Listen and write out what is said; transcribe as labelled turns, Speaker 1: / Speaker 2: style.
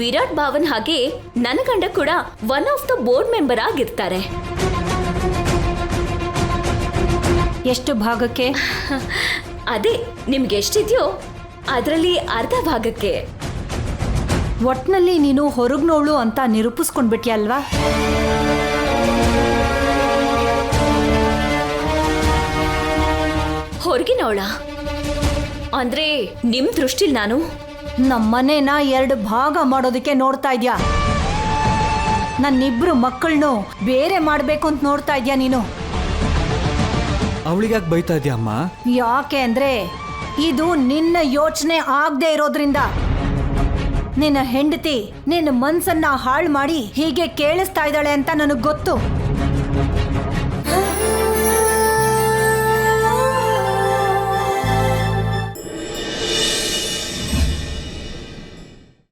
Speaker 1: ವಿರಾಟ್ ಭಾವನ್ ಹಾಗೆ ನನ್ನ ಗಂಡ ಕೂಡ one of the board member ಆಗಿರ್ತಾರೆ.
Speaker 2: ಎಷ್ಟು ಭಾಗಕ್ಕೆ?
Speaker 1: ಅದೇ ನಿಮ್ಗೆ ಎಷ್ಟಿದೆಯೋ ಅದರಲ್ಲಿ ಅರ್ಧ ಭಾಗಕ್ಕೆ.
Speaker 2: ಒಟ್ನಲ್ಲಿ ನೀನು ಹೊರಗ್ನೋಳು ಅಂತ ನಿರೂಪಿಸ್ಕೊಂಡ್ಬಿಟ್ಯಲ್ವಾ?
Speaker 1: ಹೊರಗಿನವಳ ಅಂದ್ರೆ ನಿಮ್ ದೃಷ್ಟಿಲ್ ನಾನು
Speaker 2: ನಮ್ಮನೇನ 2 ಭಾಗ ಮಾಡೋದಕ್ಕೆ ನೋಡ್ತಾ ಇದ್ಯಾ? ನನ್ನಿಬ್ರು ಮಕ್ಕಳನ್ನು ಬೇರೆ ಮಾಡ್ಬೇಕು ಅಂತ ನೋಡ್ತಾ ಇದ್ಯಾ ನೀನು?
Speaker 3: ಅವಳಿಗ್ಯಾಕೆ ಬೈತಾ ಇದೆಯಾ ಅಮ್ಮ?
Speaker 2: ಯಾಕೆ ಅಂದ್ರೆ ಇದು ನಿನ್ನ ಯೋಚನೆ ಆಗದೆ ಇರೋದ್ರಿಂದ. ನಿನ್ನ ಹೆಂಡತಿ ನಿನ್ನ ಮನ್ಸನ್ನ ಹಾಳು ಮಾಡಿ ಹೀಗೆ ಕೇಳಿಸ್ತಾ ಇದ್ದಾಳೆ ಅಂತ ನನಗೆ ಗೊತ್ತು.